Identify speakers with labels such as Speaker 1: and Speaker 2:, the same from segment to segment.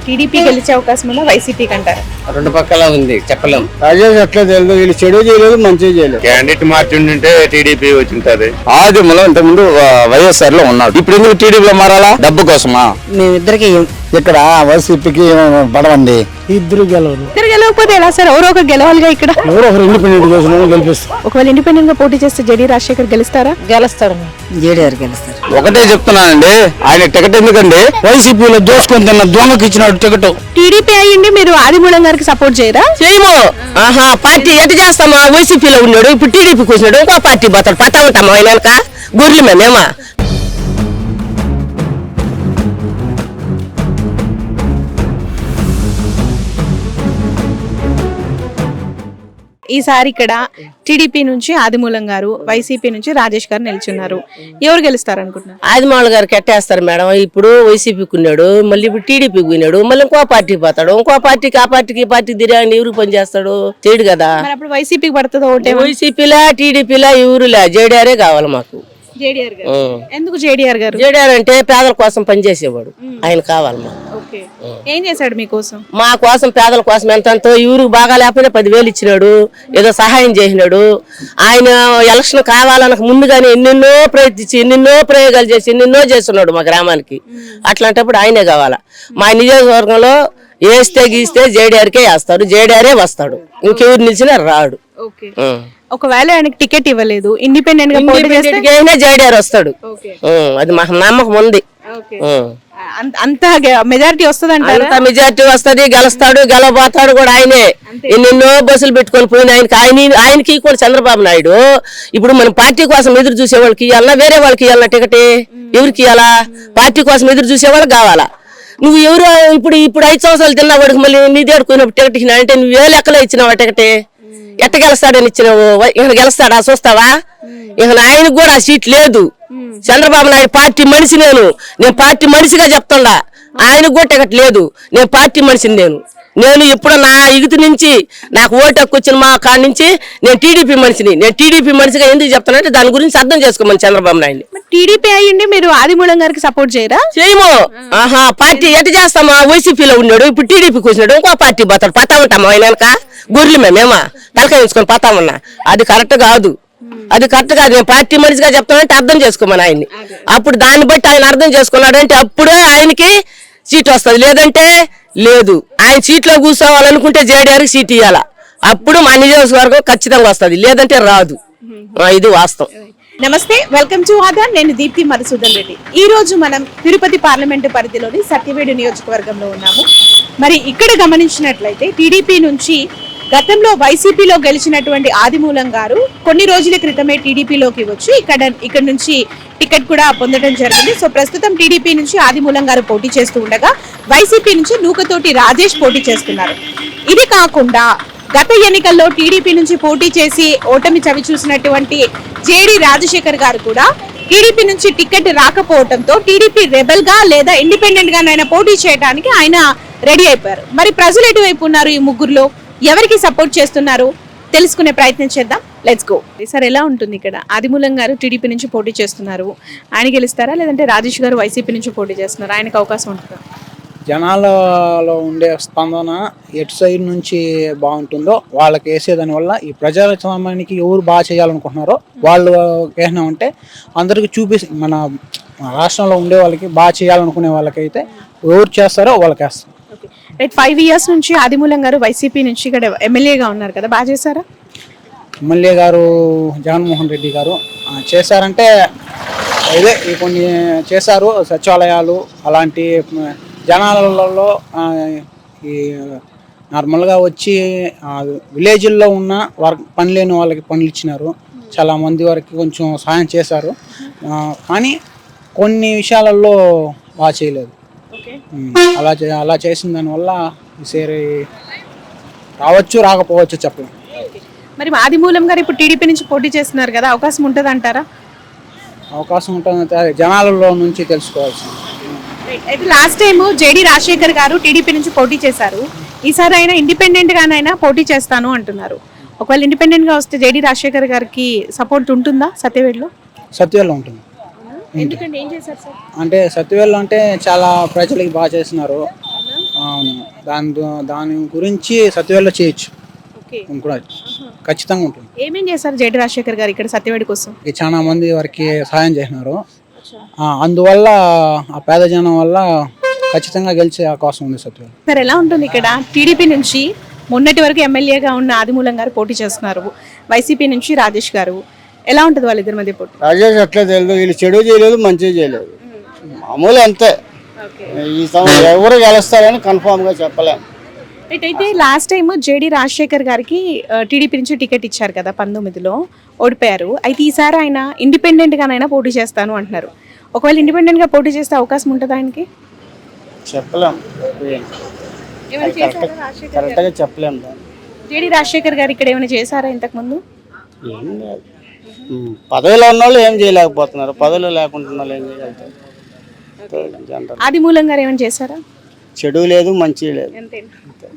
Speaker 1: TDP గెలిచే అవకాశం ఉందా వైసీపీకి అంటారు?
Speaker 2: రెండు పక్కల ఉంది, చెప్పలేం.
Speaker 3: రాజేష్ అట్లా తెలియదు, వీళ్ళు చెడు చేయలేదు మంచి చేయలేదు.
Speaker 4: Candidate మార్చుంటే TDP వచ్చింటది.
Speaker 3: ఆదిమూలం ఇంతకుముందు వైఎస్ఆర్ లో ఉన్నాడు, ఇప్పుడు ఎందుకు టీడీపీలో మారాలా? డబ్బు కోసమా?
Speaker 5: మేమిద్దరికి
Speaker 3: ఇక్కడ వైసీపీకి పడవండి.
Speaker 1: ఇద్దరు గెలవకపోతే ఎలా సార్? ఎవరో ఒకరు గెలవాలిగా. ఇక్కడ
Speaker 3: ఎవరో ఒకరు ఇండిపెండెంట్ చేసిన గెలిపిస్తారు.
Speaker 1: ఒకవేళ ఇండిపెండెంట్ గా పోటీ చేస్తే జేడీ రాజశేఖర్ గెలుస్తారా?
Speaker 5: గెలుస్తారు, జేడీఆర్ గెలుస్తారు.
Speaker 3: ఒకటే చెప్తున్నానండి, ఆయన టికెట్ ఎందుకండి వైసీపీలో దోసుకొని తిన్న దొంగకి ఇచ్చినాడు టికెట్.
Speaker 1: టీడీపీ అయ్యింది, మీరు ఆదిమూలం గారికి సపోర్ట్ చేయరా?
Speaker 5: చేయము. పార్టీ ఎట్ చేస్తామా? వైసీపీలో ఉన్నాడు, ఇప్పుడు టీడీపీకి వచ్చినాడు, ఇంకో పార్టీ పోతాడు. పతా ఉంటామా ఆయన వెనక? గొర్రెలు మేమేమా?
Speaker 1: ఈసారి ఇక్కడ టీడీపీ నుంచి ఆదిమూలం గారు, వైసీపీ నుంచి రాజేష్ గారు నిల్చున్నారు. ఎవరు గెలుస్తారు అనుకుంటున్నారు?
Speaker 5: ఆదిమాల గారు కట్టేస్తారు మేడం. ఇప్పుడు వైసీపీకి ఉన్నాడు, మళ్ళీ ఇప్పుడు టీడీపీకి పోయినాడు, మళ్ళీ ఇంకో పార్టీ పోతాడు. ఇంకో పార్టీకి ఆ పార్టీకి ఈ పార్టీకి తిరిగి ఎవరు పని చేస్తాడు? చేయడు కదా.
Speaker 1: అప్పుడు వైసీపీకి పడుతుందో ఓటే?
Speaker 5: వైసీపీలా టీడీపీలా ఎవరులే, జేడీఆరే కావాలి మాకు.
Speaker 1: జేడీఆర్ గారు. ఎందుకు జేడీఆర్ గారు?
Speaker 5: జేడీఆర్ అంటే పేదల కోసం పనిచేసేవాడు, ఆయన కావాలి మాకు.
Speaker 1: ఏం చేశాడు మీకోసం?
Speaker 5: మా కోసం, పేదల కోసం ఎంతో, ఊరికి బాగా లేకపోయినా 10,000 ఇచ్చినాడు, ఏదో సహాయం చేసినాడు. ఆయన ఎలక్షన్ కావాలనక ముందుగానే ఎన్నెన్నో ప్రయత్నించి, ఎన్నెన్నో ప్రయోగాలు చేసి, ఎన్నెన్నో చేస్తున్నాడు మా గ్రామానికి. అట్లాంటప్పుడు ఆయనే కావాలా. మా నియోజకవర్గంలో వేస్తే గీస్తే జేడీఆర్కే వేస్తారు, జేడీఆరే వస్తాడు, ఇంకెవరు నిలిచినా రాడు.
Speaker 1: ఒకవేళ ఆయనకి టికెట్ ఇవ్వలేదు, ఇండిపెండెంట్ గా పోటీ చేస్తే
Speaker 5: జేడీఆర్ వస్తాడు. అది మాకు నమ్మకం ఉంది.
Speaker 1: అంత మెజారిటీ వస్తుంది అంటారు.
Speaker 5: మెజారిటీ వస్తుంది, గెలుస్తాడు, గెలవబోతాడు కూడా ఆయనే. ఎన్నెన్నో బస్సులు పెట్టుకొని పోయిన ఆయనకి కూడా చంద్రబాబు నాయుడు ఇప్పుడు మన పార్టీ కోసం ఎదురు చూసే వాళ్ళకి ఇవ్వాలన్నా, వేరే వాళ్ళకి ఇవ్వాలన్నా టికెట్? ఎవరికి ఇవ్వాలా? పార్టీ కోసం ఎదురు చూసే వాళ్ళకి కావాలా. నువ్వు ఎవరు ఇప్పుడు 5 సంవత్సరాలు తిన్నా వాడికి మళ్ళీ నీ దేడుకున్నప్పుడు టికెట్ ఇచ్చినా అంటే నువ్వు ఏ లెక్కలో ఇచ్చినావా టికెట్? ఎట్ట గెలుస్తాడని ఇచ్చినావు? ఇక గెలుస్తాడా చూస్తావా? ఇక ఆయనకు కూడా ఆ సీట్ లేదు. చంద్రబాబు నాయుడు పార్టీ మనిషి, నేను పార్టీ మనిషిగా చెప్తుండా. ఆయనకు కూడా టికెట్ లేదు, నేను పార్టీ మనిషిని. నేను ఎప్పుడు నా ఇగుతి నుంచి నాకు ఓటు హక్కు వచ్చిన మా కాడి నుంచి నేను టీడీపీ మనిషిని. నేను టీడీపీ మనిషిగా ఎందుకు చెప్తానంటే దాని గురించి అర్థం చేసుకోమని చంద్రబాబు నాయుడు.
Speaker 1: టీడీపీ అయ్యింది, మీరు ఆదిమూలం గారికి సపోర్ట్ చేయరా?
Speaker 5: చేయము. పార్టీ ఎట్ చేస్తామా? వైసీపీలో ఉన్నాడు, ఇప్పుడు టీడీపీకి వచ్చినాడు, ఇంకో పార్టీ పోతాడు. పతా ఉంటామా ఆయన వెనక? గొర్రెలు మేమేమా తలకాయ వేసుకొని పతా ఉన్నా? అది కరెక్ట్ కాదు, అది కరెక్ట్ కాదు. నేను పార్టీ మనిషిగా చెప్తానంటే అర్థం చేసుకోమని ఆయన్ని. అప్పుడు దాన్ని బట్టి ఆయన అర్థం చేసుకున్నాడంటే అప్పుడే ఆయనకి సీట్ వస్తుంది, లేదంటే లేదు. ఆయన సీట్లో కూర్చోవాలనుకుంటే జేడీఆర్కి సీట్ ఇవ్వాలా, అప్పుడు మా నియోజకవర్గం ఖచ్చితంగా వస్తుంది, లేదంటే రాదు. ఇది వాస్తవం.
Speaker 1: నమస్తే, వెల్కమ్ టు ఆదాన్. నేను దీప్తి మధుసూదన్ రెడ్డి. ఈ రోజు మనం తిరుపతి పార్లమెంటు పరిధిలోని సత్యవేడు నియోజకవర్గంలో ఉన్నాము. మరి ఇక్కడ గమనించినట్లయితే టీడీపీ నుంచి గతంలో వైసీపీలో గెలిచినటువంటి ఆదిమూలం గారు కొన్ని రోజుల క్రితమే టీడీపీలోకి వచ్చి ఇక్కడ నుంచి టికెట్ కూడా పొందడం జరిగింది. సో ప్రస్తుతం టీడీపీ నుంచి ఆదిమూలం గారు పోటీ చేస్తూ ఉండగా వైసీపీ నుంచి నూకతోటి రాజేష్ పోటీ చేస్తున్నారు. ఇది కాకుండా గత ఎన్నికల్లో టీడీపీ నుంచి పోటీ చేసి ఓటమి చవి చూసినటువంటి జేడీ రాజశేఖర్ గారు కూడా టీడీపీ నుంచి టికెట్ రాకపోవడంతో టీడీపీ రెబల్ గా లేదా ఇండిపెండెంట్ గానైనా పోటీ చేయడానికి ఆయన రెడీ అయిపోయారు. మరి ప్రజలు ఎటువైపు ఉన్నారు? ఈ ముగ్గురులో ఎవరికి సపోర్ట్ చేస్తున్నారు తెలుసుకునే ప్రయత్నం చేద్దాం. Let's go. సార్, ఎలా ఉంటుంది ఇక్కడ? ఆదిమూలం గారు టీడీపీ నుంచి పోటీ చేస్తున్నారు, ఆయన గెలుస్తారా? లేదంటే రాజేష్ గారు వైసీపీ నుంచి పోటీ చేస్తున్నారు, ఆయనకు అవకాశం ఉంటుందా?
Speaker 6: జనాలలో ఉండే స్పందన ఎటు సైడ్ నుంచి బాగుంటుందో వాళ్ళకి వేసేదాని వల్ల ఈ ప్రజాస్వామ్యానికి ఎవరు బాగా చేయాలనుకుంటున్నారో వాళ్ళు ఏమంటే అందరికి మన రాష్ట్రంలో ఉండే వాళ్ళకి బాగా చేయాలనుకునే వాళ్ళకైతే ఎవరు చేస్తారో వాళ్ళకి వేస్తారు.
Speaker 1: 5 years నుంచి ఆదిమూలం గారు వైసీపీ నుంచి ఇక్కడ ఎమ్మెల్యేగా ఉన్నారు కదా, బాగా చేశారా?
Speaker 6: ఎమ్మెల్యే గారు జగన్మోహన్ రెడ్డి గారు చేశారంటే ఇదే కొన్ని చేశారు. సచివాలయాలు అలాంటి జనాలలో ఈ నార్మల్గా వచ్చి విలేజ్ల్లో ఉన్న పని లేని వాళ్ళకి పనులు ఇచ్చినారు. చాలా మంది వరకు కొంచెం సహాయం చేశారు, కానీ కొన్ని విషయాలలో బాగా చేయలేదు. అలా చేసిన దానివల్ల ఈసారి రావచ్చు రాకపోవచ్చు చెప్పలేం.
Speaker 1: మరి ఆదిమూలం గారు ఇప్పుడు టీడీపీ నుంచి పోటీ చేస్తున్నారు కదా, అవకాశం ఉంటుంది అంటారా?
Speaker 6: అవకాశం ఉంటుంది, జనాలలో నుంచి తెలుసుకోవాల్సింది.
Speaker 1: అయితే లాస్ట్ టైం జేడీ రాజశేఖర్ గారు టీడీపీ నుంచి పోటీ చేశారు, ఈసారి అయినా ఇండిపెండెంట్ గానైనా పోటీ చేస్తాను అంటున్నారు. ఒకవేళ ఇండిపెండెంట్ గా వస్తే జేడీ రాజశేఖర్ గారికి సపోర్ట్ ఉంటుందా సత్యవేడులో?
Speaker 6: సత్యవేడులో ఉంటుంది.
Speaker 1: ఎందుకంటే ఏం చేశారు సార్?
Speaker 6: అంటే సత్యవేడులో అంటే చాలా ప్రజలకి బాగా చేస్తున్నారు. అవును, దాని గురించి సత్యవేళ చేయొచ్చు.
Speaker 1: ఓకే.
Speaker 6: కూడా ఖచ్చితంగా ఉంటుంది.
Speaker 1: ఏమేం చేశారు జేడి రాజశేఖర్ గారు ఇక్కడ సత్యవేడి కోసం?
Speaker 6: చాలా మంది వారికి సహాయం చేసినారు. అందువల్ల ఆ పేద జనం వల్ల ఖచ్చితంగా గెలిచే అవకాశం ఉంది సత్యవేళ.
Speaker 1: సార్ ఎలా ఉంటుంది ఇక్కడ? టీడీపీ నుంచి మొన్నటి వరకు ఎమ్మెల్యేగా ఉన్న ఆదిమూలం గారు పోటీ చేస్తున్నారు, వైసీపీ నుంచి రాజేష్ గారు. ఎలా ఉంటుంది వాళ్ళిద్దరి మధ్య పోటీ?
Speaker 3: రాజేష్ అట్లా తెలియదు, వీళ్ళు చెడు చేయలేదు మంచి చేయలేదు, మామూలు అంతే. ఈ ఎవరు గెలుస్తారని కన్ఫామ్ గా చెప్పలేము.
Speaker 1: అయితే లాస్ట్ టైం జేడి రాజశేఖర్ గారికి టీడీపీ నుంచి టికెట్ ఇచ్చారు కదా 19లో, ఓడిపోయారు. అయితే ఈసారి ఆయన ఇండిపెండెంట్ గానైనా పోటీ చేస్తాను అంటున్నారు. ఒకవేళ ఇండిపెండెంట్ గా పోటీ చేస్తే అవకాశం ఉంటుంది ఆయనకి?
Speaker 3: చెప్పలేము, కరెక్ట్ గా చెప్పలేము.
Speaker 1: జేడి రాజశేఖర్ గారు ఇక్కడ ఏమైనా చేశారా ఇంతకు ముందు?
Speaker 3: ఏం లేదు, పదవిలో ఉన్న వాళ్ళు ఏం చేయలేకపోతున్నారు, పదవిలో లేకుండా వాళ్ళు ఏం చేయగలుగుతారు. జనరల్
Speaker 1: ఆదిమూలం గారు ఏమైనా చేశారా?
Speaker 3: చెడు లేదు మంచి లేదు,
Speaker 1: అంతేనా?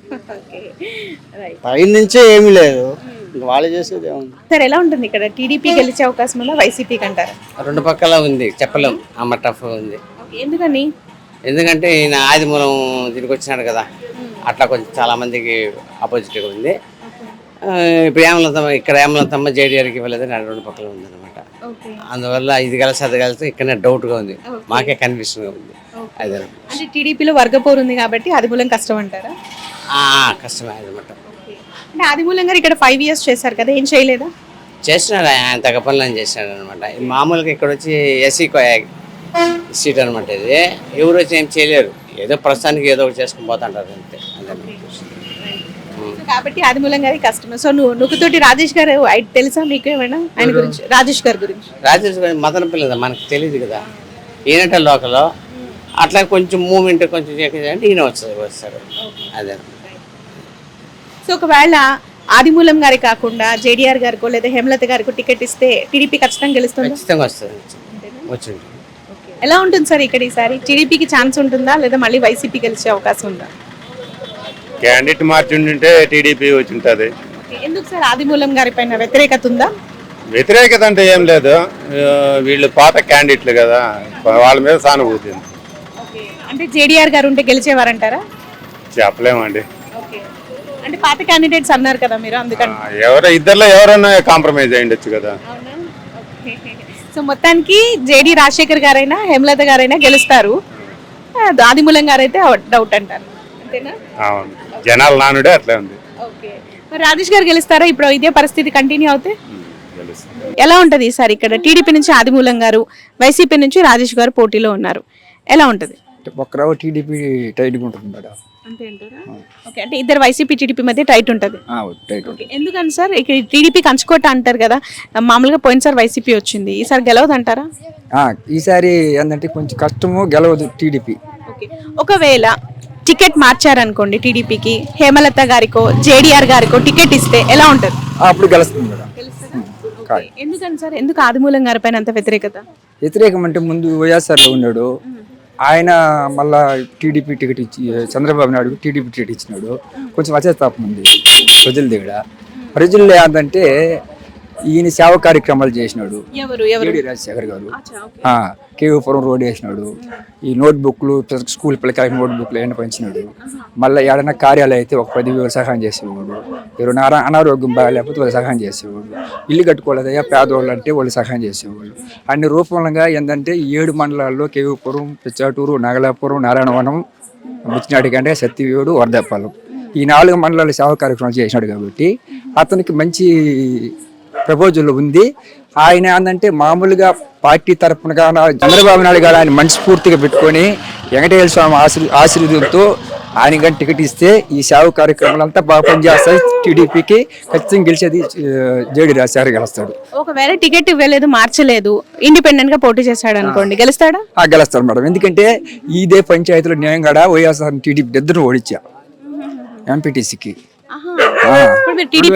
Speaker 3: పై నుంచే ఏమీ లేదు, వాళ్ళు చేసేది ఏముంది.
Speaker 1: సార్ ఎలా ఉంటుంది ఇక్కడ? టీడీపీ గెలిచే అవకాశం ఉందా, వైసీపీకి అంటారా?
Speaker 2: రెండు పక్కల ఉంది, చెప్పలేం. అమ్మ టఫ్ ఉంది.
Speaker 1: ఎందుకని?
Speaker 2: ఎందుకంటే ఈయన ఆదిమూలం దీనికి వచ్చినాడు కదా, అట్లా కొంచెం చాలా మందికి ఆపోజిట్గా ఉంది. ఇప్పుడు ఏమలంతమ్మ, ఇక్కడ ఏమలంతమ్మ జేడీఆర్కి ఇవ్వలేదని రెండు పక్కల ఉంది అనమాట. అందువల్ల ఇది కలిసి అది కలిసి ఇక్కడనే డౌట్గా ఉంది, మాకే కన్ఫ్యూషన్గా ఉంది. అదే
Speaker 1: అంటే టీడీపీలో వర్గపోరు ఉంది కాబట్టి ఆదిమూలం కష్టం అంటారా?
Speaker 2: కష్టమే అనమాట.
Speaker 1: అంటే ఆదిమూలం గారు ఇక్కడ 5 years చేశారు కదా, ఏం చేయలేదా?
Speaker 2: చేసినాడు, ఆయన తగ్గ పనులను చేసినాడు అనమాట. మామూలుగా ఇక్కడ వచ్చి ఎస్సీ సీట్ అనమాట. ఇది ఎవరు వచ్చి ఏం చేయలేరు, ఏదో ప్రస్తుతానికి ఏదో ఒకటి చేసుకుని పోతుంటారు అంతే.
Speaker 1: కాబట్టి ఆదిమూలం గారి కష్టమే. సో నువ్వుతోటి రాజేష్ గారు తెలుసా మీకు ఏమైనా ఆయన గురించి? రాజేష్ గారి గురించి?
Speaker 2: రాజేష్ గారి మదన పిల్లలు మనకు తెలియదు కదా, ఈయనట లోకల్లో అట్లా కొంచెం మూమెంట్ కొంచెం అంటే ఈయన వస్తారు అదే.
Speaker 1: సో ఒకవేళ ఆదిమూలం గారి కాకుండా జేడీఆర్ గారికో లేదా హేమలత గారికో టికెట్ ఇస్తే టీడీపీ ఖచ్చితంగా గెలుస్తుంది?
Speaker 2: ఖచ్చితంగా వస్తుంది, వచ్చి.
Speaker 1: ఎలా ఉంటుంది సార్ ఇక్కడ ఈసారి? టీడీపీకి ఛాన్స్ ఉంటుందా లేదా మళ్ళీ వైసీపీ గెలిచే అవకాశం ఉందా?
Speaker 4: క్యాండిడేట్ మార్చి ఉంటే టీడీపీ వచ్చి ఉంటుంది.
Speaker 1: ఎందుకు సార్ ఆదిమూలం గారి పైన వ్యతిరేకత ఉందా?
Speaker 4: వ్యతిరేకత అంటే ఏం లేదు, వీళ్ళు పాత క్యాండిడేట్లు కదా, వాళ్ళ మీద సానుభూతి ఉంది.
Speaker 1: అంటే జేడీఆర్ గారు ఉంటే గెలిచేవారంటారా?
Speaker 4: చెప్పలేమండి,
Speaker 1: అంటే పాత క్యాండిడేట్స్ అన్నారు కదా మీరు, అందుకని.
Speaker 4: ఇద్దరులో ఎవరైనా కాంప్రమైజ్ అయ్యిండొచ్చు కదా.
Speaker 1: సో మొత్తానికి జేడీ రాజశేఖర్ గారైనా హేమలత గారైనా గెలుస్తారు, ఆదిమూలం గారైతే డౌట్ అంటారు, అంతేనా?
Speaker 4: అవును, జనాల నానుడే అట్లా ఉంది.
Speaker 1: మరి రాజేష్ గారు గెలుస్తారా ఇప్పుడు ఇదే పరిస్థితి కంటిన్యూ అవుతే? ఎలా ఉంటది ఈసారి ఇక్కడ? టీడీపీ నుంచి ఆదిమూలం గారు, వైసీపీ నుంచి రాజేష్ గారు పోటీలో ఉన్నారు, ఎలా ఉంటది?
Speaker 3: ఒక్కరావు టీడీపీ టైట్గా ఉంటుంది మేడం.
Speaker 1: అంతే అంటారా? ఓకే, అంటే ఇద్దరు వైసీపీ టీడీపీ మధ్య టైట్ ఉంటుంది. ఎందుకని సార్? ఇక్కడ టీడీపీ కంచుకోట అంటారు కదా, మామూలుగా పోయినసారి వైసీపీ వచ్చింది, ఈసారి గెలవదు అంటారా?
Speaker 3: ఈసారి ఏంటంటే కొంచెం కష్టము, గెలవదు టీడీపీ.
Speaker 1: ఓకే, ఒకవేళ టికెట్ మార్చారనుకోండి టీడీపీకి, హేమలత గారికో జేడీఆర్ గారికో టికెట్ ఇస్తే ఎలా ఉంటుంది?
Speaker 3: అప్పుడు గెలుస్తుంది మేడం.
Speaker 1: ఎందుకని సార్? ఎందుకు ఆదిమూలం గారి పైన అంత వ్యతిరేకత?
Speaker 3: వ్యతిరేకం అంటే ముందు వైఎస్ఆర్లో ఉన్నాడు ఆయన, మళ్ళా టీడీపీ టికెట్ ఇచ్చి చంద్రబాబు నాయుడు టీడీపీ టికెట్ ఇచ్చినాడు, కొంచెం అచేస్తాపం ఉంది ప్రజల దగ్గర. ప్రజల్లో ఏంటంటే ఈయన సేవ కార్యక్రమాలు చేసినాడు జేడీ రాజశేఖర్ గారు. కేవీపురం రోడ్ వేసినాడు, ఈ నోట్బుక్లు స్కూల్ పిల్లకాయకి నోట్బుక్లు ఏమైనా పంచినాడు. మళ్ళీ ఏడైనా కార్యాలయం అయితే ఒక 10,000 సహాయం చేసేవాడు, ఎవరైనా అనారోగ్యం బాగాలేకపోతే వాళ్ళు సహాయం చేసేవాడు, ఇల్లు కట్టుకోలేదయ్యా పేదవాళ్ళు అంటే వాళ్ళు సహాయం చేసేవాళ్ళు. అన్ని రూపంగా ఏంటంటే 7 మండలాల్లో కేవీపురం, పిచ్చాటూరు, నాగలాపురం, నారాయణవనం, ముచ్చినాడి కంటే సత్యవేడు, వరదపాలెం ఈ 4 మండలాలు సేవా కార్యక్రమాలు చేసినాడు కాబట్టి అతనికి మంచి ప్రపోజల్ ఉంది. ఆయన ఏంటంటే మామూలుగా పార్టీ తరఫున చంద్రబాబు నాయుడు గారు ఆయన మనస్ఫూర్తిగా పెట్టుకొని వెంకటేశ్వర స్వామి ఆశీర్వాదంతో ఆయన కానీ టికెట్ ఇస్తే ఈ సేవ కార్యక్రమాలు అంతా బాగా పనిచేస్తాయి. టీడీపీకి ఖచ్చితంగా గెలిచేది జేడీ రాజశేఖర్ గెలుస్తాడు.
Speaker 1: ఒకవేళ టికెట్ ఇవ్వలేదు, మార్చలేదు, ఇండిపెండెంట్ గా పోటీ చేశాడు అనుకోండి, గెలుస్తాడా?
Speaker 3: గెలుస్తాడు మేడం, ఎందుకంటే ఇదే పంచాయతీలో నేను కూడా వైఎస్ఆర్ టీడీపీ ఇద్దరు ఓడించా ఎంపీటీసీకి.
Speaker 1: టీడీపీ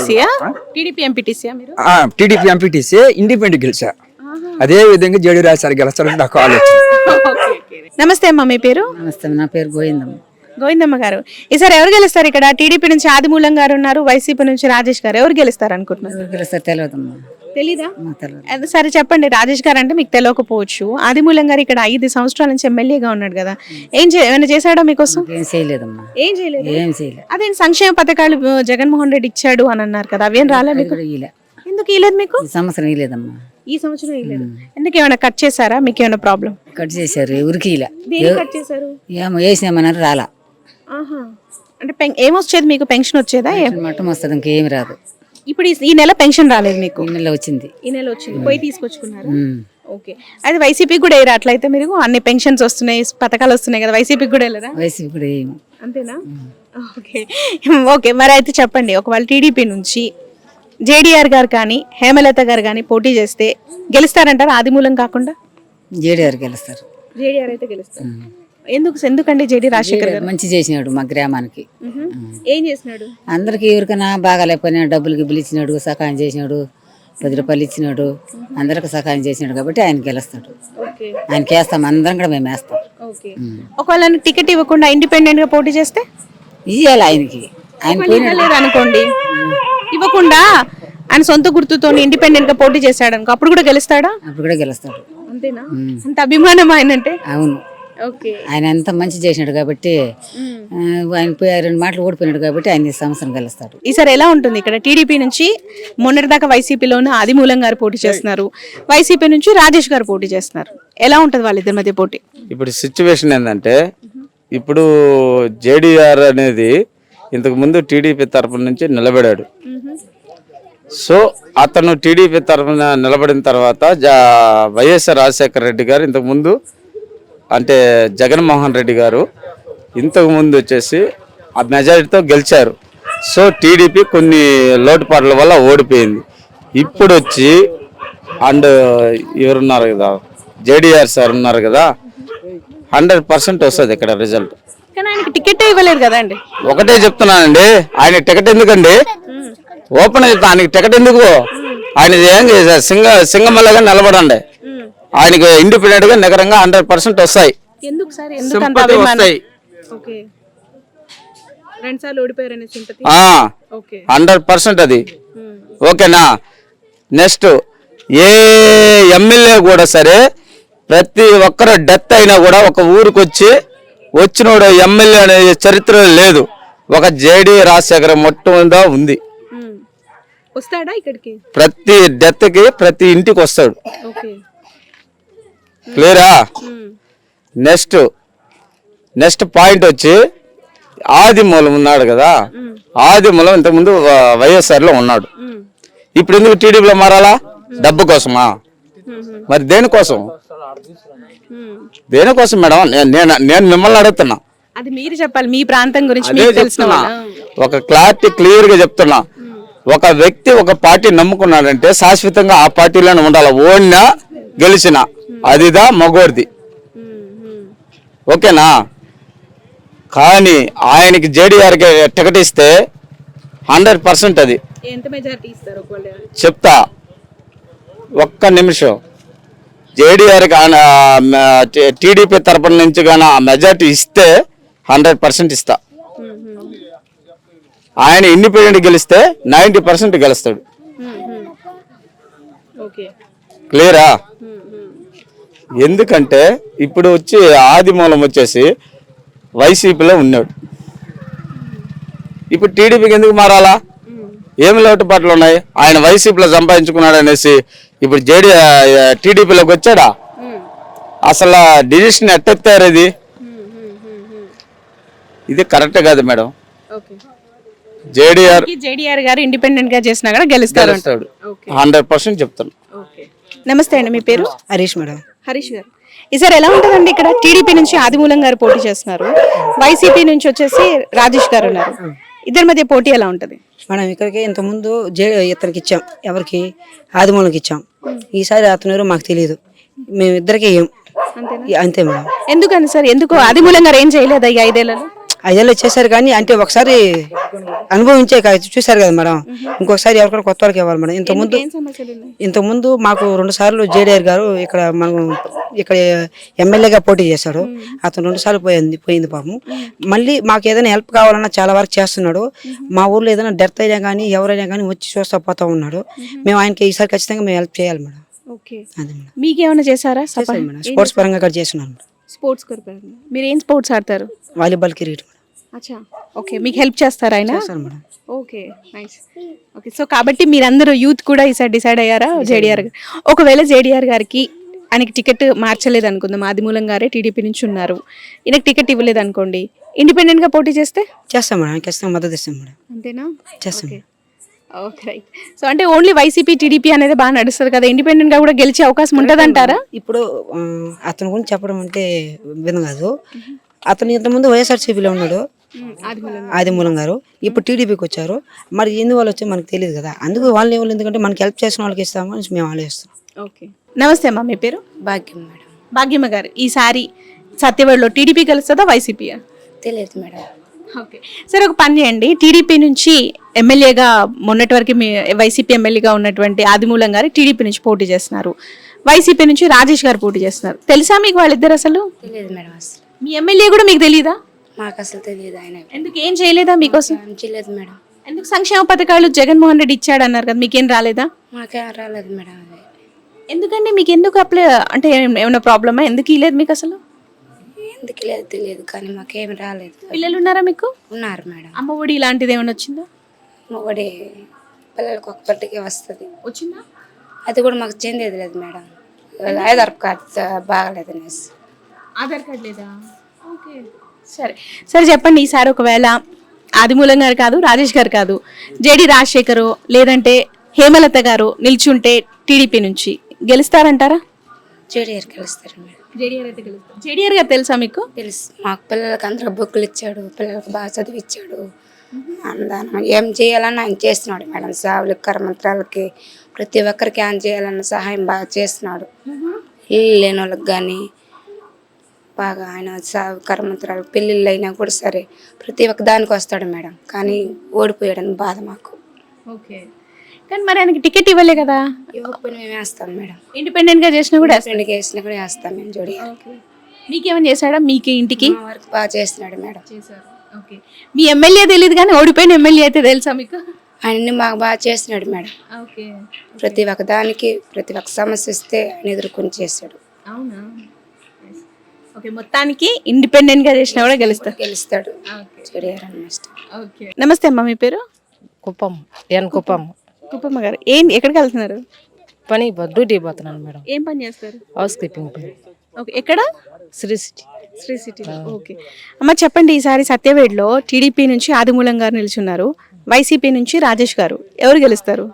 Speaker 3: ఎంపీటీసీ ఇండిపెండెంట్ గెలిచా. అదే విధంగా జేడీ రాజశేఖర్ గెలుస్తాడని నాకు ఆలోచన.
Speaker 1: నమస్తే అమ్మ, మీ పేరు?
Speaker 7: నమస్తే, నా పేరు గోవిందమ్మ.
Speaker 1: గోవిందమ్మ గారు, ఈసారి ఎవరు గెలుస్తారు ఇక్కడ? టీడీపీ నుంచి ఆదిమూలం గారు ఉన్నారు, వైసీపీ నుంచి రాజేష్ గారు, ఎవరు గెలుస్తారు అనుకుంటున్నారు?
Speaker 7: గెలుస్తారు తెలియదమ్మా.
Speaker 1: తెలీదా? అది సరే చెప్పండి. రాజేష్ గారు అంటే మీకు తెలియకపోవచ్చు. ఆదిమూలం గారు ఇక్కడ 5 సంవత్సరాల నుంచి ఎమ్మెల్యేగా ఉన్నాడు కదా, ఏమైనా చేశాడో మీకోసం?
Speaker 7: ఏం చేయలేదమ్మా,
Speaker 1: ఏం చేయలేదు.
Speaker 7: ఏం చేయలేదు.
Speaker 1: అదే సంక్షేమ పథకాలు జగన్మోహన్ రెడ్డి ఇచ్చాడు అని అన్నారు కదా, అవేం రాలే మీకు? ఎందుకు ఇలేదు మీకు?
Speaker 7: ఈ సంవత్సరం ఇలేదమ్మా.
Speaker 1: ఈ సంవత్సరం ఇలేదు. ఎందుకు ఏమైనా కట్ చేశారా? మీకు ఏమైనా ప్రాబ్లం?
Speaker 7: కట్ చేశారు, ఎవరికి ఇలా
Speaker 1: దేని కట్ చేశారు?
Speaker 7: ఏమో వేసినామన్నారు రాలా.
Speaker 1: ఆహా. అంటే ఏమొచ్చేది మీకు? పెన్షన్ వచ్చేదా?
Speaker 7: మట్టం వస్తుంది, ఇంకేమి రాదు.
Speaker 1: ఇప్పుడు ఈ నెల పెన్షన్ రాలేదు మీకు?
Speaker 7: ఈ నెల వచ్చింది.
Speaker 1: ఈ నెల వచ్చింది, పోయి తీసుకొచ్చుకున్నారు. ఓకే. అది వైసీపీ కూడా వేయరా? అట్లయితే మీరు అన్ని పెన్షన్స్ వస్తున్నాయి, పథకాలు వస్తున్నాయి కదా, వైసీపీకి కూడా వెళ్ళరా?
Speaker 7: వైసీపీ కూడా ఏమి.
Speaker 1: అంతేనా? ఓకే. ఓకే, మరి అయితే చెప్పండి, ఒకవేళ టీడీపీ నుంచి జేడీఆర్ గారు కానీ హేమలత గారు కానీ పోటీ చేస్తే గెలుస్తారంటారు ఆదిమూలం కాకుండా?
Speaker 7: జేడీఆర్ గెలుస్తారు.
Speaker 1: జేడీఆర్ అయితే గెలుస్తారు. ఎందుకండి? జేడీ రాజశేఖర్ గారు
Speaker 7: మంచి చేసినాడు మా గ్రామానికి.
Speaker 1: ఏం చేసినాడు?
Speaker 7: అందరికి ఎవరికైనా బాగా లేకపోయినా డబ్బులు గిబ్బులు ఇచ్చినాడు, సహాయం చేసినాడు, 10 రూపాయలు ఇచ్చినాడు, అందరికి సహాయం చేసినాడు కాబట్టి ఆయన గెలుస్తాడు. ఆయనకి వేస్తాం, అందరం కూడా మేము వేస్తాం.
Speaker 1: ఒకవేళ టికెట్ ఇవ్వకుండా ఇండిపెండెంట్ గా పోటీ చేస్తే
Speaker 7: ఇయ్యాలి ఆయనకి. ఆయన
Speaker 1: పోయినాడు అనుకోండి, ఇవ్వకుండా ఆయన సొంత గుర్తుతో ఇండిపెండెంట్ గా పోటీ చేశాడు అనుకో, అప్పుడు కూడా గెలుస్తాడా?
Speaker 7: అప్పుడు కూడా గెలుస్తాడు.
Speaker 1: అంతేనా? అంత అభిమానం ఆయన అంటే?
Speaker 7: అవును.
Speaker 1: ఓకే.
Speaker 7: ఆయన ఎంత మంచి చేసినాడు కాబట్టి, ఆయన 2 మాటలు ఓడిపోయినాడు కాబట్టి ఆయన ఈ సంవత్సరం గెలుస్తాడు.
Speaker 1: ఈసారి ఎలా ఉంటుంది ఇక్కడ? టీడీపీ నుంచి మొన్నటిదాకా వైసీపీలోనే ఆదిమూలం గారు పోటీ చేస్తున్నారు, వైసీపీ నుంచి రాజేష్ గారు పోటీ చేస్తున్నారు. ఎలా ఉంటుంది వాళ్ళిద్దరి మధ్య పోటీ?
Speaker 4: ఇప్పుడు సిచ్యువేషన్ ఏంటంటే, ఇప్పుడు జేడీఆర్ అనేది ఇంతకు ముందు టీడీపీ తరఫున నుంచి నిలబడాడు. సో అతను టీడీపీ తరఫున నిలబడిన తర్వాత వైఎస్ఆర్ రాజశేఖర రెడ్డి గారు ఇంతకు ముందు అంటే జగన్మోహన్ రెడ్డి గారు ఇంతకు ముందు వచ్చేసి ఆ మెజారిటీతో గెలిచారు. సో టీడీపీ కొన్ని లోటుపాట్ల వల్ల ఓడిపోయింది. ఇప్పుడు వచ్చి అండ్ ఎవరున్నారు కదా, జేడీఆర్ సార్ ఉన్నారు కదా, 100% వస్తుంది ఇక్కడ రిజల్ట్.
Speaker 1: కానీ ఆయనకి టికెట్ ఇవ్వలేదు కదండి.
Speaker 4: ఒకటే చెప్తున్నానండి, ఆయన టికెట్ ఎందుకండి? ఓపెన్ చెప్తా, ఆయనకి టికెట్ ఎందుకు? ఆయన ఏం చేశారు? సింగమల్లగా నిలబడండి, ఆయనకి ఇండిపెండెంట్ గా నగరంగా 100% వస్తాయి. సింపతి వస్తాయి. 100% అది. ఓకేనా? నెక్స్ట్ ఏ ఎమ్మెల్యే కూడా సరే, ప్రతి ఒక్కరు డెత్ అయినా కూడా ఒక ఊరికి వచ్చినోడు ఎమ్మెల్యే అనే చరిత్ర లేదు. ఒక జేడీ రాజశేఖర మొట్టమొదట ఉంది.
Speaker 1: వస్తాడా ఇక్కడికి?
Speaker 4: ప్రతి డెత్ కి ప్రతి ఇంటికి వస్తాడు. క్లియరా? నెక్స్ట్ పాయింట్ వచ్చి ఆదిమూలం ఉన్నాడు కదా, ఆదిమూలం ఇంతకుముందు వైఎస్ఆర్ లో ఉన్నాడు. ఇప్పుడు ఎందుకు టీడీపీలో మారాలా? డబ్బు కోసమా? మరి దేనికోసం మేడం? నేను మిమ్మల్ని అడుగుతున్నా.
Speaker 1: అది మీరు చెప్పాలి, మీ ప్రాంతం గురించి తెలుస్తున్నా.
Speaker 4: ఒక క్లారిటీ క్లియర్ గా చెప్తున్నా. ఒక వ్యక్తి ఒక పార్టీ నమ్ముకున్నాడంటే శాశ్వతంగా ఆ పార్టీలోనే ఉండాలి. ఓడినా గెలిచినా అదిదా మగోడిది. ఓకేనా? కానీ ఆయనకి జేడీఆర్ టికెట్ ఇస్తే 100% అది.
Speaker 1: ఎంత మెజారిటీ ఇస్తారు?
Speaker 4: చెప్తా, ఒక్క నిమిషం. జేడీఆర్ టీడీపీ తరపున నుంచి కానీ ఆ మెజారిటీ ఇస్తే 100% ఇస్తా. ఆయన ఇండిపెండెంట్ గెలిస్తే 90% గెలుస్తాడు. క్లియరా? ఎందుకంటే ఇప్పుడు వచ్చి ఆదిమూలం వచ్చేసి వైసీపీలో ఉన్నాడు. ఇప్పుడు టీడీపీకి ఎందుకు మారాలా? ఏమి లోటుపాట్లు ఉన్నాయి? ఆయన వైసీపీలో సంపాదించుకున్నాడు అనేసి ఇప్పుడు టీడీపీలోకి వచ్చాడా? అసలు డిసిషన్ ఎట్టెత్తారు? ఇది కరెక్ట్ కాదు మేడం.
Speaker 1: జేడీఆర్ గారు ఇండిపెండెంట్ గా చేసినా కూడా గెలుస్తాడు.
Speaker 4: 100% చెప్తాను.
Speaker 1: నమస్తే అండి, మీ పేరు?
Speaker 8: హరీష్ మేడం.
Speaker 1: హరీష్ గారు, ఈసారి ఎలా ఉంటుందండి ఇక్కడ? టీడీపీ నుంచి ఆదిమూలం గారు పోటీ చేస్తున్నారు, వైసీపీ నుంచి వచ్చేసి రాజేష్ గారు ఉన్నారు. ఇద్దరి మధ్య పోటీ ఎలా ఉంటది?
Speaker 8: మనం ఇక్కడికి ఇంతకుముందు ఇతనికి ఇచ్చాం, ఎవరికి? ఆదిమూలకి ఇచ్చాం. ఈసారి అతను ఎవరో మాకు తెలియదు, మేము ఇద్దరికి అంతే మేడం.
Speaker 1: ఎందుకని సార్? ఎందుకు ఆదిమూలం గారు ఏం చేయలేదా ఈ 5 ఏళ్లలో?
Speaker 8: ఐదేళ్ళు చేశారు కానీ అంటే ఒకసారి అనుభవించే చూశారు కదా మేడం, ఇంకొకసారి ఎవరికైనా కొత్త వాళ్ళకి ఇవ్వాలి మేడం. ఇంతకుముందు మాకు 2 సార్లు జేడీఆర్ గారు ఇక్కడ ఎమ్మెల్యేగా పోటీ చేశాడు. అతను 2 సార్లు పోయింది పాపం. మళ్ళీ మాకు ఏదైనా హెల్ప్ కావాలన్నా చాలా వరకు చేస్తున్నాడు. మా ఊర్లో ఏదైనా డెత్ అయినా కానీ ఎవరైనా కానీ వచ్చి చూస్తా పోతా ఉన్నాడు. మేము ఆయనకి ఈసారి ఖచ్చితంగా మేము హెల్ప్ చేయాలి మేడం. అదే మేడం.
Speaker 1: మీకేమైనా చేశారా?
Speaker 8: మేడం స్పోర్ట్స్ పరంగా కూడా చేస్తున్నాను మేడం.
Speaker 1: స్పోర్ట్స్ మీరు ఏం స్పోర్ట్స్ ఆడతారు?
Speaker 8: Volleyball, cricket.
Speaker 1: అచ్చా, ఓకే. మీకు హెల్ప్ చేస్తారా ఆయన?
Speaker 8: Madam.
Speaker 1: Okay, nice. Okay, so కాబట్టి మీరందరూ యూత్ కూడా ఈసారి డిసైడ్ అయ్యారా జేడీఆర్ గారు? ఒకవేళ జేడీఆర్ గారికి ఆయనకి టికెట్ మార్చలేదు అనుకుందాం, ఆదిమూలం గారే టీడీపీ నుంచి ఉన్నారు, ఈయనకి టికెట్ ఇవ్వలేదు అనుకోండి, ఇండిపెండెంట్ గా పోటీ చేస్తే
Speaker 8: చేస్తాం మేడం, ఖచ్చితంగా మద్దతు ఇస్తాం మేడం.
Speaker 1: అంతేనా?
Speaker 8: చేస్తాం.
Speaker 1: Okay, right. సో అంటే ఓన్లీ వైసీపీ టీడీపీ అనేది బాగా నడుస్తుంది కదా, ఇండిపెండెంట్ గా కూడా గెలిచే అవకాశం ఉంటుంది అంటారా?
Speaker 8: ఇప్పుడు అతని గురించి చెప్పడం అంటే విధం కాదు. అతను ఇంతకుముందు వైఎస్ఆర్సీపీలో ఉన్నాడు ఆదిమూలం గారు, ఇప్పుడు టీడీపీకి వచ్చారు. మరి ఎందువల్ల వచ్చి మనకు తెలియదు కదా, అందుకు వాళ్ళు ఎవరు, ఎందుకంటే మనకి హెల్ప్ చేసిన వాళ్ళకి ఇస్తామని మేము ఆలోచిస్తాం.
Speaker 1: ఓకే, నమస్తే అమ్మా, మీ పేరు?
Speaker 9: భాగ్యం మేడం.
Speaker 1: భాగ్యమ్మ గారు, ఈసారి సత్యవేడులో టీడీపీ గెలుస్తుందా వైసీపీయా?
Speaker 9: తెలియదు మేడం.
Speaker 1: ఓకే, సరే ఒక పని చేయండి, టీడీపీ నుంచి ఎమ్మెల్యేగా మొన్నటి వరకు మీ వైసీపీ ఎమ్మెల్యేగా ఉన్నటువంటి ఆదిమూలం గారు టీడీపీ నుంచి పోటీ చేస్తున్నారు, వైసీపీ నుంచి రాజేష్ గారు పోటీ చేస్తున్నారు. తెలుసా మీకు వాళ్ళిద్దరు? అసలు
Speaker 9: తెలియదు మేడం. అసలు
Speaker 1: మీ ఎమ్మెల్యే కూడా మీకు తెలియదా?
Speaker 9: మాకు అసలు తెలియదు. ఆయన
Speaker 1: ఎందుకు ఏం చేయలేదా మీకోసం?
Speaker 9: చేయలేదు మేడం.
Speaker 1: ఎందుకు సంక్షేమ పథకాలు జగన్మోహన్ రెడ్డి ఇచ్చాడు అన్నారు కదా, మీకేం రాలేదా?
Speaker 9: మాకేం రాలేదు మేడం. అది
Speaker 1: ఎందుకండి, మీకు ఎందుకు అప్లై అంటే ఏమైనా ప్రాబ్లమా? ఎందుకు ఇవ్వలేదు మీకు అసలు?
Speaker 9: ఎందుకు లేదు తెలియదు, కానీ మాకేం రాలేదు.
Speaker 1: పిల్లలు ఉన్నారా మీకు?
Speaker 9: ఉన్నారు మేడం.
Speaker 1: అమ్మ ఒడి ఇలాంటిది ఏమైనా వచ్చిందా?
Speaker 9: ఒకటి పిల్లలకు ఒక్కటికే వస్తుంది.
Speaker 1: వచ్చిందా?
Speaker 9: అది కూడా మాకు చెందేది లేదు మేడం. ఆధార్ కార్డు బాగలేదు అనేసి.
Speaker 1: ఆధార్ కార్డు లేదా? ఓకే, సరే సరే చెప్పండి, ఈసారి ఒకవేళ ఆదిమూలం గారు కాదు, రాజేష్ గారు కాదు, జేడి రాజశేఖర్ లేదంటే హేమలత గారు నిల్చుంటే టీడీపీ నుంచి గెలుస్తారంటారా?
Speaker 9: జేడీఆర్ గెలుస్తారు మేడం.
Speaker 1: జేడీఆర్ అయితే గెలుస్తారు. జేడీఆర్ గారు తెలుసా మీకు?
Speaker 9: తెలుసు. మాకు పిల్లలకి అందరూ బుక్కులు ఇచ్చాడు, పిల్లలకు బాగా చదివిచ్చాడు. అందాన ఏం చేయాలన్నా ఆయన చేస్తున్నాడు మేడం. సావులకి, కర్మంత్రాలకి, ప్రతి ఒక్కరికి ఆయన చేయాలన్న సహాయం బాగా చేస్తున్నాడు. ఇల్లు లేని వాళ్ళకి కానీ బాగా ఆయన సాగు కర్మంత్రాలు, పెళ్ళిళ్ళు అయినా కూడా సరే ప్రతి ఒక్క దానికి వస్తాడు మేడం. కానీ ఓడిపోయాడని బాధ మాకు.
Speaker 1: ఓకే, కానీ మరి ఆయనకి టికెట్ ఇవ్వలే కదా?
Speaker 9: ఇవ్వకపోయినా మేము వేస్తాం మేడం.
Speaker 1: ఇండిపెండెంట్ గా చేసినా కూడా
Speaker 9: వేసినా కూడా వేస్తాం మేము. జోడి
Speaker 1: మీకేమైనా చేశాడా? మీకు ఇంటికి
Speaker 9: వరకు బాగా చేస్తున్నాడు మేడం.
Speaker 1: ఓకే, మీ ఎమ్మెల్యే తెలియదు కానీ ఓడిపోయిన ఎమ్మెల్యే అయితే తెలుసా మీకు?
Speaker 9: ఆయన్ని మాకు బాగా చేస్తున్నాడు మేడం.
Speaker 1: ఓకే,
Speaker 9: ప్రతి ఒక్క దానికి ప్రతి ఒక్క సమస్య ఇస్తే ఆయన ఎదుర్కొని చేస్తాడు.
Speaker 1: అవునా? ఓకే, మొత్తానికి ఇండిపెండెంట్ గా చేసినా కూడా
Speaker 9: గెలుస్తాడు జేడీఆర్ అన్నమాట.
Speaker 1: ఓకే, నమస్తే అమ్మా, మీ పేరు?
Speaker 10: కుప్పం. కుప్పం.
Speaker 1: కుప్పమ్మ గారు, ఎక్కడికి వెళ్తున్నారు?
Speaker 10: పని డ్యూటీ పోతున్నాను మేడం.
Speaker 1: ఏం పని చేస్తారు?
Speaker 10: హౌస్ కీపింగ్ పని.
Speaker 1: ఓకే, ఎక్కడ?
Speaker 10: Sri City.
Speaker 1: Sri City. Okay అమ్మ, చెప్పండి, ఈసారి సత్యవేడ్లో టీడీపీ నుంచి ఆదిమూలం గారు నిల్చున్నారు, వైసీపీ నుంచి రాజేష్ గారు, ఎవరు గెలుస్తారు?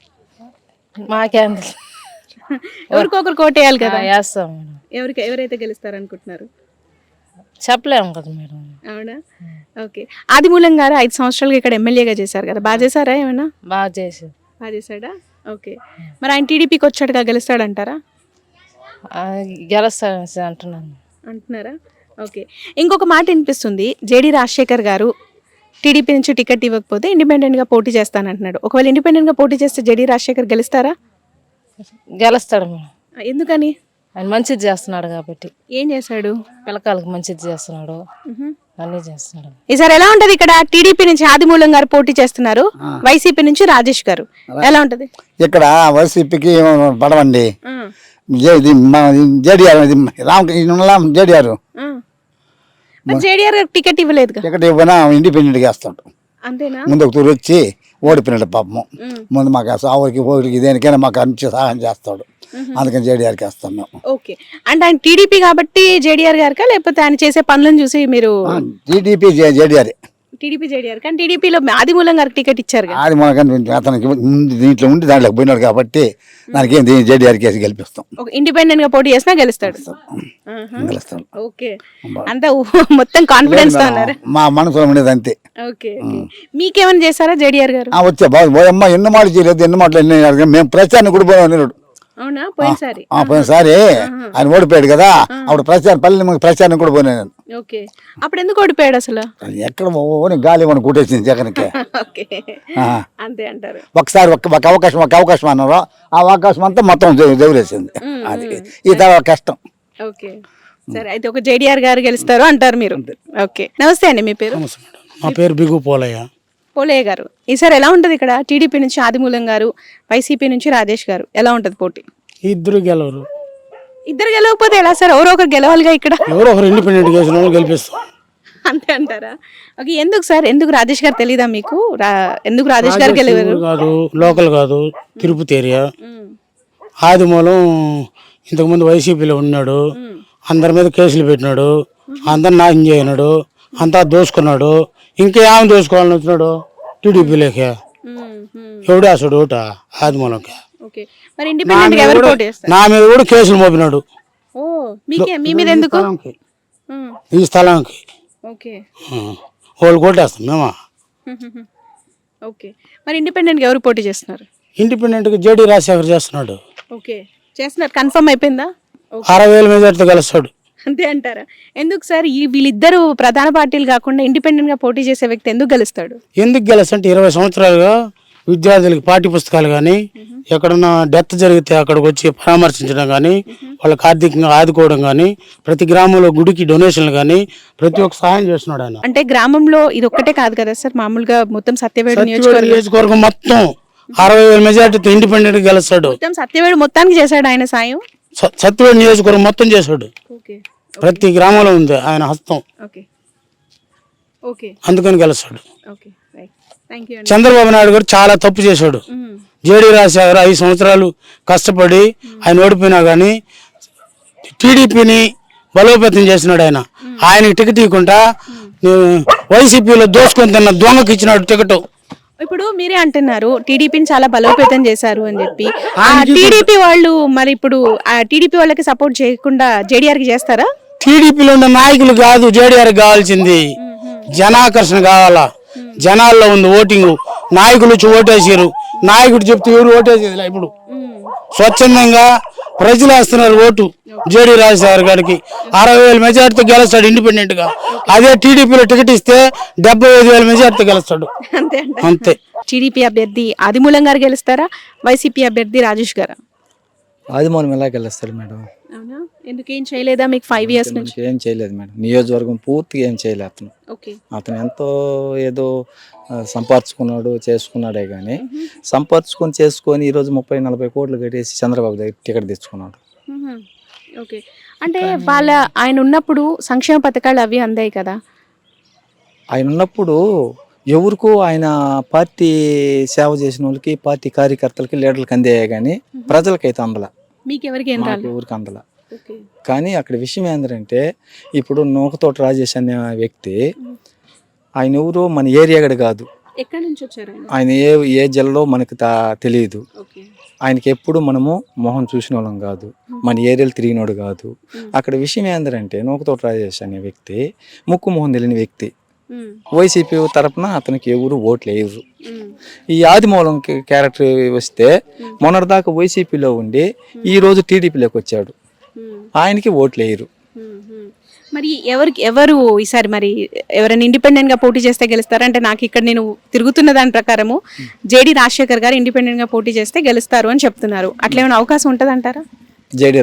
Speaker 10: మాకేం
Speaker 1: ఎవరికొకరు కోటేయాలి కదా.
Speaker 10: వేస్తాం మేడం.
Speaker 1: ఎవరైతే గెలుస్తారు అనుకుంటున్నారు?
Speaker 10: చెప్పలేము కదా మేడం.
Speaker 1: అవునా? ఓకే, ఆదిమూలం గారు 5 సంవత్సరాలుగా ఇక్కడ ఎమ్మెల్యేగా చేశారు కదా, బాగా చేశారా? ఏమైనా
Speaker 10: బాగా చేసారు.
Speaker 1: బాగా చేశాడా? ఓకే, మరి ఆయన టీడీపీకి వచ్చాడుగా, గెలుస్తాడంటారా?
Speaker 10: గెలుస్తాడు అంటున్నారా?
Speaker 1: ఓకే, ఇంకొక మాట వినిపిస్తుంది, జేడి రాజశేఖర్ గారు టీడీపీ నుంచి టికెట్ ఇవ్వకపోతే ఇండిపెండెంట్గా పోటీ చేస్తానంటున్నాడు. ఒకవేళ ఇండిపెండెంట్గా పోటీ చేస్తే జేడి రాజశేఖర్ గెలుస్తారా?
Speaker 10: గెలుస్తాడు మేడం.
Speaker 1: ఎందుకని?
Speaker 10: ఆయన మంచిది చేస్తున్నాడు కాబట్టి.
Speaker 1: ఏం చేశాడు?
Speaker 10: పిల్లకాయలకు మంచిది చేస్తున్నాడు, అన్నీ చేస్తున్నాడు.
Speaker 1: ఈసారి ఎలా ఉంటది? ఇక్కడ టీడీపీ నుంచి ఆదిమూలం గారు పోటీ చేస్తున్నారు, వైసీపీ నుంచి రాజేష్ గారు, ఎలా ఉంటది?
Speaker 11: ఇక్కడ వైసీపీకి పడవండి, JDR Ramakrishna JDR
Speaker 1: JDR ticket ఇవ్వలేదు.
Speaker 11: టికెట్ ఇవ్వనా ఇండిపెండెంట్గా వేస్తాడు.
Speaker 1: అంతేనా?
Speaker 11: ముందు ఒక తూరు వచ్చి ఓడిపోయినాడు పాపము. ముందు మాకు ఆవురికి ఊరికి దేనికైనా మాకు అన్ని సహాయం చేస్తాడు, అందుకని జేడీఆర్కి వేస్తాం మేము.
Speaker 1: ఓకే, అంటే ఆయన టీడీపీ కాబట్టి జేడీఆర్ గారికా, లేకపోతే ఆయన చేసే పనులను చూసి మీరు?
Speaker 11: TDP JDR.
Speaker 1: టీడీపీ జేడీఆర్, కానీ టీడీపీలో ఆదిమూలం గారికి టికెట్ ఇచ్చారు.
Speaker 11: ఆదిమూలం అతనికి ముందు దీంట్లో ఉండి దాంట్లోకి పోయినాడు కాబట్టి దానికి ఏం జేడీఆర్కి వేసి గెలిపిస్తాం.
Speaker 1: ఇండిపెండెంట్ గా పోటీ చేసినా గెలుస్తాడు.
Speaker 11: గెలుస్తాం.
Speaker 1: ఓకే, అంతా మొత్తం కాన్ఫిడెన్స్ తో ఉన్నారు.
Speaker 11: మా మనసులో ఉండేది అంతే.
Speaker 1: ఓకే, మీకేమైనా చేశారా జేడీఆర్ గారు?
Speaker 11: వచ్చా బాబు, ఎన్నో మాటలు చేయలేదు, ఎన్నో మాటలు మేము ప్రచారాన్ని కూడా పోయినాడు.
Speaker 1: అవునా పోయినసారి
Speaker 11: పోయినసారి ఆయన ఓడిపోయాడు కదా, అప్పుడు ప్రచారం కూడా పోయినా నేను.
Speaker 1: ఓకే, అప్పుడు ఎందుకు ఓడిపోయాడు అసలు?
Speaker 11: ఎక్కడ ఓని గాలి మనం కొట్టేసింది జగన్కి.
Speaker 1: ఓకే, అంతే అంటారు.
Speaker 11: ఒకసారి ఒక అవకాశం అన్నారు, ఆ అవకాశం అంతా మొత్తం దేవులేసింది. అది ఈ తర్వాత కష్టం.
Speaker 1: ఓకే, సరే అయితే ఒక జేడీఆర్ గారు గెలుస్తారు అంటారు మీరు. ఓకే, నమస్తే అండి, మీ పేరు?
Speaker 6: మా పేరు బిగు పోలయ్య.
Speaker 1: పోలయ్య గారు, ఈసారి ఎలా ఉంటది ఇక్కడ? టీడీపీ నుంచి ఆదిమూలం గారు, వైసీపీ నుంచి రాజేష్ గారు, ఎలా ఉంటది పోటీ?
Speaker 6: ఇద్దరు గెలవరు.
Speaker 1: ఇద్దరు గెలవకపోతే ఎలా సార్? ఎవరో ఒకరు గెలవాలిగా ఇక్కడ.
Speaker 6: ఎవరో ఒకరు ఇండిపెండెంట్ చేసిన వాళ్ళు గెలిపిస్తాం.
Speaker 1: అంతే అంటారా? ఓకే, ఎందుకు సార్? ఎందుకు రాజేష్ గారు తెలీదా మీకు? ఎందుకు రాజేష్ గారు గెలవరు?
Speaker 6: కాదు, లోకల్ కాదు, తిరుపతి ఏరియా. ఆదిమూలం ఇంతకుముందు వైసీపీలో ఉన్నాడు, అందరి మీద కేసులు పెట్టినాడు, అందరు నాశనం చేయనాడు, అంతా దోసుకున్నాడు. ఇంకా ఏమి దోసుకోవాలని వచ్చినాడు టీడీపీలోకి. ఎవడు అసడు ఓట ఆదిమూలంకి.
Speaker 1: ఓకే, మరి ఇండిపెండెంట్ గా ఎవరు పోటీ చేస్తారు?
Speaker 6: నా మీద కూడా కేసులు మోపినాడు.
Speaker 1: ఓ, మీకే? మీ మీద ఎందుకు?
Speaker 6: ఈ స్థలానికి.
Speaker 1: ఓకే,
Speaker 6: వాళ్ళు కొట్టేస్తాం మేమా.
Speaker 1: ఓకే, మరి ఇండిపెండెంట్ గా ఎవరు పోటీ చేస్తున్నారు?
Speaker 6: ఇండిపెండెంట్ గా జేడీ రాజశేఖర్ చేస్తున్నాడు.
Speaker 1: ఓకే, చేస్తున్నారు, కన్ఫర్మ్ అయిపోయిందా?
Speaker 6: 60,000 మెజార్టీతో గెలుస్తాడు.
Speaker 1: అంతే అంటారా? ఎందుకు సార్ వీళ్ళిద్దరు ప్రధాన పార్టీలు కాకుండా ఇండిపెండెంట్ గా పోటీ చేసే వ్యక్తి ఎందుకు గెలుస్తాడు?
Speaker 6: ఎందుకు గెలుస్తంటే 20 సంవత్సరాలుగా విద్యార్థులకి పాఠ్య పుస్తకాలు కానీ, ఎక్కడన్నా డెత్ జరిగితే అక్కడికి వచ్చి పరామర్శించడం కానీ, వాళ్ళకి ఆర్థికంగా ఆదుకోవడం కానీ, ప్రతి గ్రామంలో గుడికి డొనేషన్లు కానీ ప్రతి ఒక్క సహాయం చేస్తున్నాడు ఆయన.
Speaker 1: అంటే గ్రామంలో ఇది ఒక్కటే కాదు కదా సార్, మామూలుగా మొత్తం సత్యవేడు
Speaker 6: నియోజకవర్గం మొత్తం 60,000 మెజార్టీతో ఇండిపెండెంట్ గా గెలుస్తాడు.
Speaker 1: మొత్తం సత్యవేడు మొత్తానికి చేశాడు ఆయన సాయం.
Speaker 6: సత్యవేడు నియోజకవర్గం మొత్తం చేశాడు. ప్రతి గ్రామంలో ఉంది ఆయన హస్తం. అందుకని గెలుస్తాడు. చంద్రబాబు నాయుడు గారు చాలా తప్పు చేశాడు. జేడీ రాజశేఖర్ 5 సంవత్సరాలు కష్టపడి ఆయన ఓడిపోయినా కానీ టీడీపీని బలోపేతం చేసినాడు. ఆయనకి టికెట్ ఇవ్వకుండా వైసీపీలో దోసుకొని తిన్న దొంగకి ఇచ్చినాడు టికెట్.
Speaker 1: ఇప్పుడు మీరే అంటున్నారు టీడీపీని చాలా బలోపేతం చేశారు అని చెప్పి. టీడీపీ వాళ్ళు మరి ఇప్పుడు టీడీపీ వాళ్ళకి సపోర్ట్ చేయకుండా జేడీఆర్ కి చేస్తారా?
Speaker 6: టీడీపీలో ఉన్న నాయకులు కాదు జేడీఆర్ కావాల్సింది, జనాకర్షణ కావాలా. జనాల్లో ఉంది ఓటింగ్. నాయకులు వచ్చి ఓటేసారు, నాయకుడు చెప్తే ఎవరు ఓటేసేది. ఇప్పుడు స్వచ్ఛందంగా ప్రజలు వేస్తున్నారు ఓటు జేడీ రాజశేఖర్ గారికి. 60,000 మెజార్టీతో గెలుస్తాడు ఇండిపెండెంట్ గా. అదే టీడీపీలో టికెట్ ఇస్తే 75,000 మెజార్టీతో గెలుస్తాడు. అంతే.
Speaker 1: టీడీపీ అభ్యర్థి ఆదిమూలం గారు గెలుస్తారా, వైసీపీ అభ్యర్థి రాజేష్ గారా?
Speaker 3: ఆదిమూలం ఎలా గెలుస్తాడు మేడం?
Speaker 1: అవునా, ఎందుకు ఏం చేయలేదా మీకు 5 years నుంచి?
Speaker 3: ఏం చేయలేదు మేడం, నియోజకవర్గం పూర్తిగా ఏం చేయలేదు అతను. అతను ఎంతో ఏదో సంపాదించుకున్నాడు చేసుకున్నాడే కానీ, చేసుకొని ఈరోజు 30-40 కోట్లు కట్టేసి చంద్రబాబు దగ్గర టికెట్ తెచ్చుకున్నాడు.
Speaker 1: ఓకే, అంటే ఆయన ఉన్నప్పుడు సంక్షేమ పథకాలు అవి అందాయి కదా?
Speaker 3: ఆయన ఉన్నప్పుడు ఎవరికో ఆయన పార్టీ సేవ చేసిన వాళ్ళకి, పార్టీ కార్యకర్తలకి, లీడర్లకి అందాయే కానీ ప్రజలకైతే అందల. ఎవరికి అందల. కానీ అక్కడ విషయం ఏంటంటే, ఇప్పుడు నూకతోటి రాజేష్ అనే వ్యక్తి, ఆయన ఎవరు మన ఏరియా గడ కాదు. ఆయన ఏ జిల్లాలో మనకు తెలియదు. ఆయనకి ఎప్పుడు మనము మొహం చూసిన వాళ్ళం కాదు, మన ఏరియాలో తిరిగినోడు కాదు. అక్కడ విషయం ఏంటంటే, నూకతోటి రాజేష్ అనే వ్యక్తి ముక్కు మొహం తెలియని వ్యక్తి. వైసీపీ తరపున అతనికి ఎవరు ఓట్లు వేయరు. ఈ ఆదిమూలం క్యారెక్టర్ వస్తే మొన్నటిదాకా వైసీపీలో ఉండి ఈ రోజు టీడీపీలోకి వచ్చాడు, ఆయనకి ఓట్లు వేయరు.
Speaker 1: మరి ఎవరు ఈసారి మరి ఎవరైనా ఇండిపెండెంట్ గా పోటీ చేస్తే గెలుస్తారంటే, నాకు ఇక్కడ నేను తిరుగుతున్న దాని ప్రకారము జేడీ రాజశేఖర్ గారు ఇండిపెండెంట్ గా పోటీ చేస్తే గెలుస్తారు అని చెప్తున్నారు. అట్లా ఏమైనా అవకాశం ఉంటుంది అంటారా?
Speaker 3: జేడీ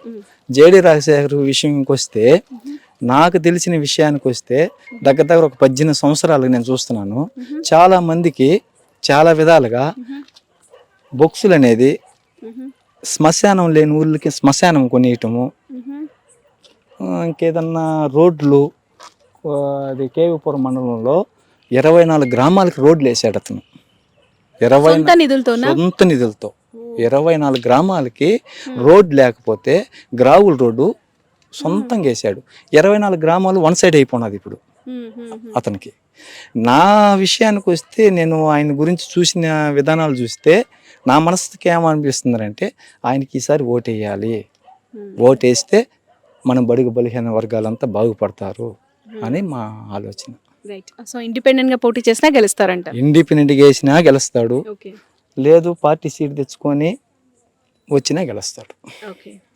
Speaker 3: రాజశేఖర్ విషయంకి వస్తే, నాకు తెలిసిన విషయానికి వస్తే దగ్గర ఒక 18 సంవత్సరాలు నేను చూస్తున్నాను. చాలా మందికి చాలా విధాలుగా బొక్సులు అనేది శ్మశానం లేని ఊళ్ళకి శ్మశానం కొనియటము, ఇంకేదన్నా రోడ్లు, అది కేవీపురం మండలంలో 24 గ్రామాలకి రోడ్లు వేసాడు అతను. సొంత నిధులతో 24 గ్రామాలకి రోడ్ లేకపోతే గ్రావుల్ రోడ్డు సొంతంగా వేసాడు. 24 గ్రామాలు వన్ సైడ్ అయిపోయినది ఇప్పుడు అతనికి. నా విషయానికి వస్తే, నేను ఆయన గురించి చూసిన విధానాలు చూస్తే నా మనసుకి ఏమనిపిస్తుందంటే, ఆయనకి ఈసారి ఓటేయాలి, ఓటేస్తే మన బడుగు బలహీన వర్గాలంతా బాగుపడతారు అని మా ఆలోచన.
Speaker 1: ఇండిపెండెంట్ గా పోటీ చేసినా గెలుస్తారంట?
Speaker 3: ఇండిపెండెంట్ గా వేసినా గెలుస్తాడు. లేదు పార్టీ సీట్ తెచ్చుకొని వచ్చినా గెలుస్తాడు.
Speaker 1: ఓకే